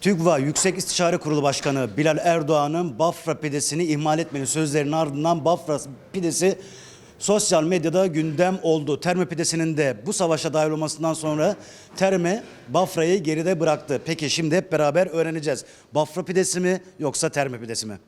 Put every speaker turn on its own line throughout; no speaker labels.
TÜGVA Yüksek İstişare Kurulu Başkanı Bilal Erdoğan'ın Bafra pidesini ihmal etmenin sözlerinin ardından Bafra pidesi sosyal medyada gündem oldu. Terme pidesinin de bu savaşa dahil olmasından sonra Terme Bafra'yı geride bıraktı. Peki şimdi hep beraber öğreneceğiz. Bafra pidesi mi yoksa Terme pidesi mi?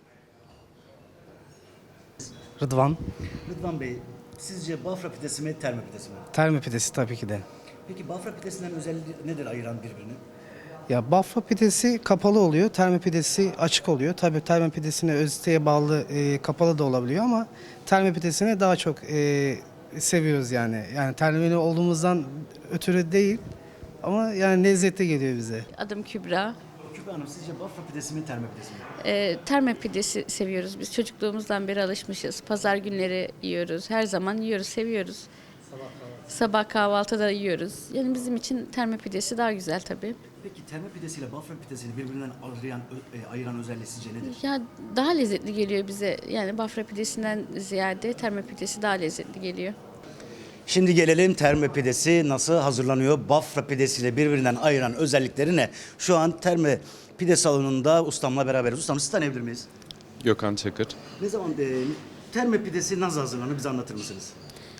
Rıdvan.
Rıdvan Bey, sizce Bafra pidesi mi Terme pidesi mi?
Terme pidesi tabii ki de.
Peki Bafra pidesinden özelliği nedir ayıran birbirini?
Ya Bafra pidesi kapalı oluyor, terme pidesi açık oluyor. Tabii terme pidesine özüteye bağlı kapalı da olabiliyor ama terme pidesini daha çok seviyoruz yani. Yani termeli olduğumuzdan ötürü değil ama yani lezzetli geliyor bize.
Adım Kübra.
Kübra Hanım, sizce Bafra pidesi mi Terme pidesi mi?
Terme pidesi seviyoruz biz. Çocukluğumuzdan beri alışmışız. Pazar günleri yiyoruz. Her zaman yiyoruz, seviyoruz. Sabah kahvaltıda yiyoruz. Yani bizim için terme pidesi daha güzel tabii.
Peki Terme pidesiyle Bafra pidesiyle birbirinden ayıran özelliği sizce nedir?
Ya daha lezzetli geliyor bize. Yani Bafra pidesinden ziyade terme pidesi daha lezzetli geliyor.
Şimdi gelelim Terme pidesi nasıl hazırlanıyor? Bafra pidesiyle birbirinden ayıran özellikleri ne? Şu an Terme pide salonunda ustamla beraberiz. Ustam, sizi tanıyabilir miyiz?
Gökhan Çakır.
Ne zaman Terme pidesi nasıl hazırlanıyor, bize anlatır mısınız?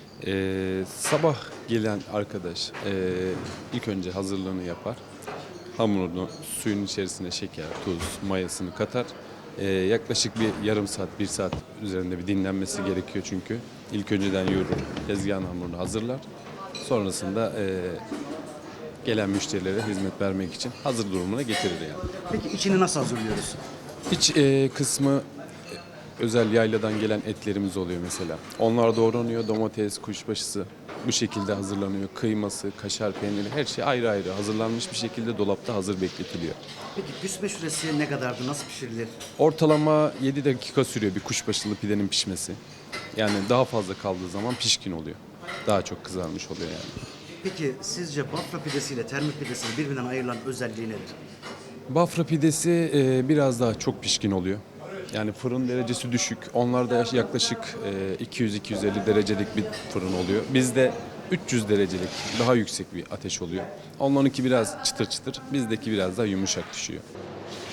Sabah gelen arkadaş ilk önce hazırlığını yapar. Hamurunu suyun içerisine şeker, tuz, mayasını katar. Yaklaşık bir yarım saat, bir saat üzerinde bir dinlenmesi gerekiyor çünkü. İlk önceden yoğurur, tezgahın hamurunu hazırlar. Sonrasında gelen müşterilere hizmet vermek için hazır durumuna getirir yani.
Peki içini nasıl hazırlıyoruz?
İç kısmı özel yayladan gelen etlerimiz oluyor mesela. Onlar doğranıyor, domates, kuşbaşısı bu şekilde hazırlanıyor. Kıyması, kaşar peyniri her şey ayrı ayrı hazırlanmış bir şekilde dolapta hazır bekletiliyor.
Peki pişme süresi ne kadardı, nasıl pişirilir?
Ortalama 7 dakika sürüyor bir kuşbaşılı pidenin pişmesi. Yani daha fazla kaldığı zaman pişkin oluyor. Daha çok kızarmış oluyor yani.
Peki sizce Bafra pidesiyle Terme pidesinin birbirinden ayrılan özelliği nedir?
Bafra pidesi biraz daha çok pişkin oluyor. Yani fırın derecesi düşük. Onlarda yaklaşık 200-250 derecelik bir fırın oluyor. Bizde 300 derecelik daha yüksek bir ateş oluyor. Onlarınki biraz çıtır çıtır, bizdeki biraz daha yumuşak düşüyor.